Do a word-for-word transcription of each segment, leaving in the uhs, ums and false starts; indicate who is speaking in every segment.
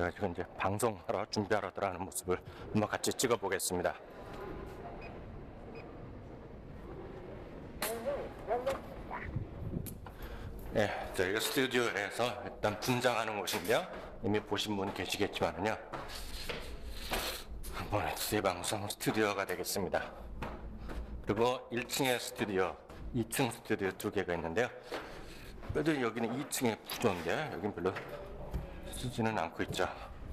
Speaker 1: 그래가지고 이제 방송하러 준비하러 들어가는 모습을 한번 같이 찍어 보겠습니다. 네, 저희가 스튜디오에서 일단 분장하는 곳인데요. 이미 보신 분 계시겠지만요. 한번 엑스방송 스튜디오가 되겠습니다. 그리고 일 층에 스튜디오, 이 층 스튜디오 두 개가 있는데요. 그래도 여기는 이 층의 구조인데 여긴 별로 쓰지는 않고 있죠.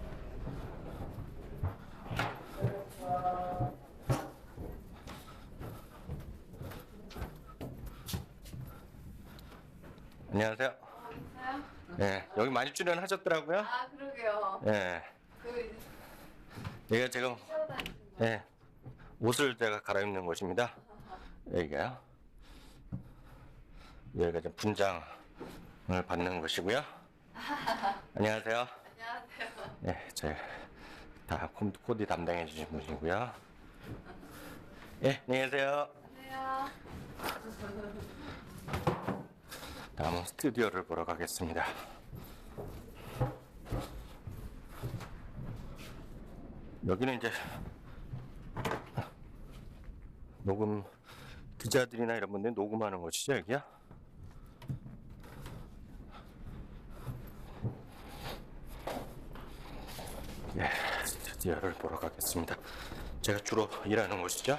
Speaker 1: 안녕하세요.
Speaker 2: 안녕하세요.
Speaker 1: 네, 여기 많이 출연하셨더라고요.
Speaker 2: 아, 그러게요.
Speaker 1: 네,
Speaker 2: 그
Speaker 1: 여기가 지금 네, 옷을 제가 갈아입는 곳입니다. 여기가요. 여기가 지금 분장을 받는 곳이고요. 안녕하세요.
Speaker 2: 안녕하세요.
Speaker 1: 네, 제 다 코디 담당해 주신 분이고요. 예, 안녕히 계세요.
Speaker 2: 안녕하세요.
Speaker 1: 다음은 스튜디오를 보러 가겠습니다. 여기는 이제 녹음 기자들이나 이런 분들이 녹음하는 곳이죠, 여기야? 예, 스튜디오를 보러 가겠습니다. 제가 주로 일하는 곳이죠.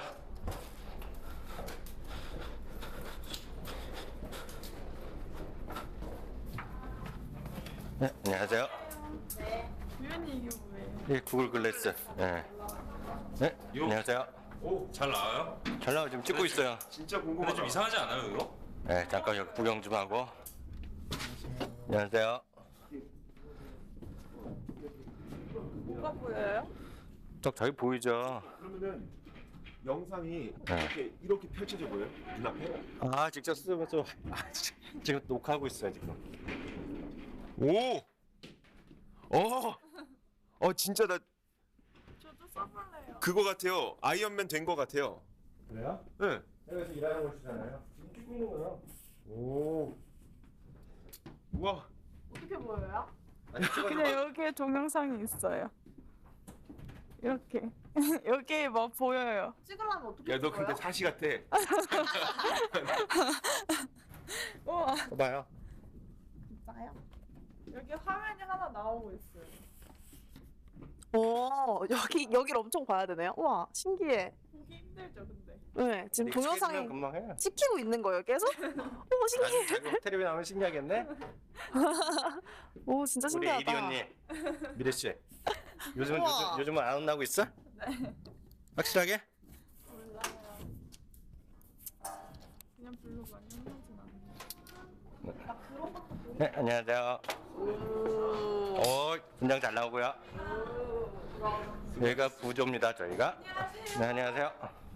Speaker 1: 네, 안녕하세요.
Speaker 2: 네.
Speaker 3: 유연이 이게 뭐예요?
Speaker 1: 예, 구글 글래스. 예. 네, 안녕하세요.
Speaker 4: 오, 잘 나와요?
Speaker 1: 잘 나와 지금 찍고 있어요.
Speaker 4: 진짜 궁금하다. 좀 이상하지 않아요, 이거?
Speaker 1: 네, 잠깐 여기 구경 좀 하고. 안녕하세요.
Speaker 3: 뭐가 보여요?
Speaker 1: 저 저기 보이죠?
Speaker 4: 그러면은 영상이
Speaker 1: 네.
Speaker 4: 이렇게 이렇게 펼쳐져 보여요? 눈앞에?
Speaker 1: 아, 직접 쓰면서 아, 지금 녹화하고 있어요 지금.
Speaker 4: 오! 어! 어, 진짜 나
Speaker 3: 저도 써볼래요.
Speaker 4: 그거 같아요. 아이언맨 된 거 같아요.
Speaker 1: 그래요?
Speaker 4: 네.
Speaker 1: 여기서 일하는 곳이잖아요. 지금 찍고 있는 거요.
Speaker 4: 오. 우와.
Speaker 3: 어떻게 보여요?
Speaker 1: 아니,
Speaker 3: 그냥 여기에 동영상이 있어요. 이렇게 여기 뭐 보여요? 찍으려면 어떻게
Speaker 4: 야, 너 근데 사시 같아.
Speaker 3: 우와
Speaker 1: 봐요.
Speaker 3: 진짜요? 여기 화면이 하나 나오고 있어요.
Speaker 5: 오, 여기, 여기를 엄청 봐야 되네요. 우와, 신기해.
Speaker 3: 보기 힘들죠 근데.
Speaker 5: 네, 지금 동영상이
Speaker 1: 금방 해.
Speaker 5: 찍히고 있는 거예요, 계속? 오, 신기해.
Speaker 1: 나중에 텔레비 나오면 신기하겠네.
Speaker 5: 오, 진짜
Speaker 1: 우리
Speaker 5: 신기하다.
Speaker 1: 이리 언니, 미래 씨. 요즘
Speaker 5: 우와.
Speaker 1: 요즘 요즘은 안 혼나고 있어?
Speaker 3: 네.
Speaker 1: 확실하게?
Speaker 3: 몰라요. 그냥 별로 많이 흔들진 않아요.
Speaker 1: 네, 안녕하세요. 오, 분장 잘 나오고요. 여기가 부조입니다, 저희가. 네, 안녕하세요.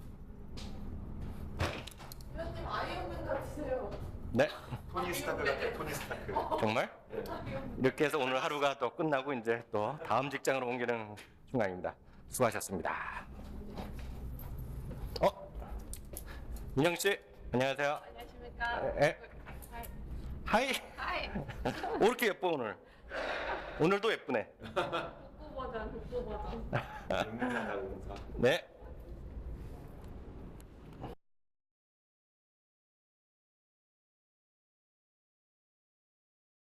Speaker 2: 위원님 아이언맨 같으세요.
Speaker 1: 네,
Speaker 4: 토니 스타크 같아. 토니 스타크.
Speaker 1: 정말? 이렇게 해서 오늘 하루가 또 끝나고 이제 또 다음 직장으로 옮기는 순간입니다. 수고하셨습니다. 어? 민영 씨, 안녕하세요.
Speaker 2: 안녕하십니까?
Speaker 1: 에? 하이.
Speaker 2: 하이.
Speaker 1: 오, 이렇게 예뻐 오늘. 오늘도 예쁘네.
Speaker 2: 복고 버전, 복고 버전.
Speaker 4: 응사다 응사.
Speaker 1: 네.